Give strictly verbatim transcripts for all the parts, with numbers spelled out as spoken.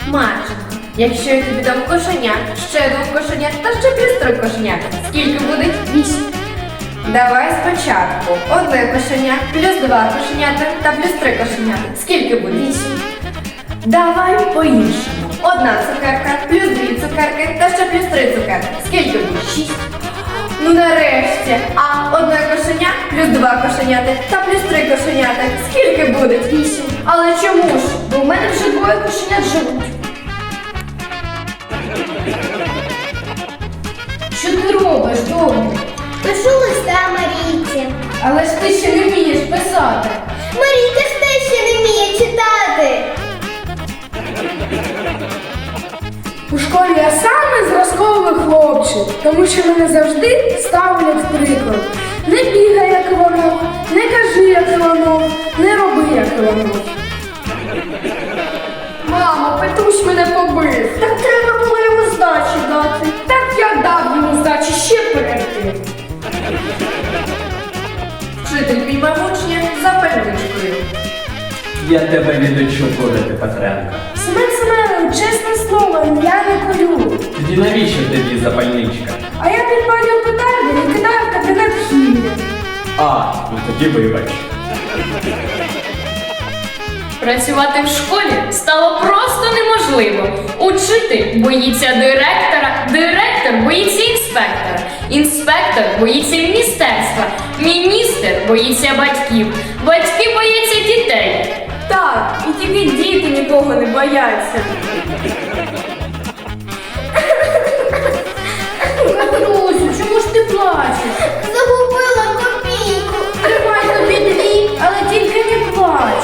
Марченко, якщо я тобі дам кошеня, ще двох кошенят та ще плюс три кошенят, скільки буде? Вісім. Давай спочатку. Одне кошеня, плюс два кошенята та плюс три кошенята. Скільки буде? Вісім. Давай по-іншому. Одна цукерка, плюс дві цукерки та ще плюс три цукерки. Скільки буде? Шість. Ну нарешті. А одне кошеня, плюс два кошеняти та плюс три кошеняти. Скільки буде? Вісім. Але чому ж? Бо в мене вже двоє кошенят живуть. Що ти робиш, доню? Пишу листа Марійці. Але ж ти ще не вмієш писати. Марійка ж теж ще не вміє читати. У школі я самий зразковий хлопчик, тому що мене завжди ставлять приклад. Не бігай, як Іванов, не кажи, як Іванов, не роби, як Іванов. Мамо, Петрусь мене побив. Так треба було йому здачі дати. Так я дав йому здачі ще перейти. Вчитель піймав учня за пальничкою. Я тебе ні до чого ходити, Петренко. Семен Семенович, чесне слово, я не колю. Тоді навіщо тобі запальничка? А я підпалю петарди і кидаю в кабінет хімії. А, ну тоді вибач. Працювати в школі стало просто неможливо. Учитель боїться директора, директор боїться інспектора, інспектор боїться міністерства, міністр боїться батьків, батьки бояться дітей. Так, і тільки діти нікого не бояться. Петрусю, чому ж ти плачеш? Загубила копійку. Тримай тобі дві, але тільки не плач.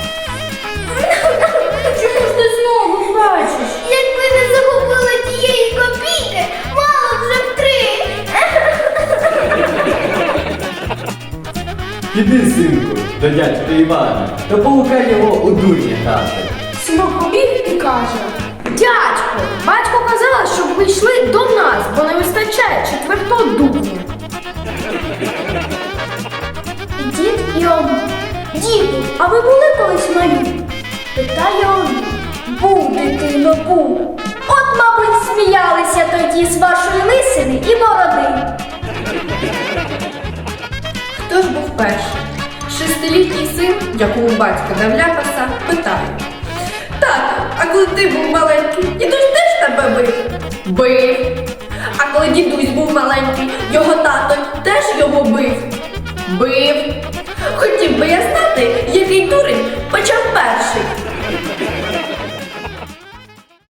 Чому ж ти знову плачеш? Якби не загубила тієї копійки, мало б вже в три. Іди, синку, до дядька Івана, та поукай його у дурні грати. Синок побіг і каже: дядько, батько казала, щоб ви йшли до нас, бо не вистачає четвертого дубня. Дід і он. Діду, а ви були колись малі? Питає он. Був, дитино, був. От, мабуть, сміялися тоді з вашої лисини і бороди. Хто ж був перший? Шестилітній син, якому батько дав ляпаса, питає: Тато, а коли ти був маленький, дідусь теж тебе бив? Бив. А коли дідусь був маленький, його тато теж його бив? Бив. Хотів би я знати, який дурень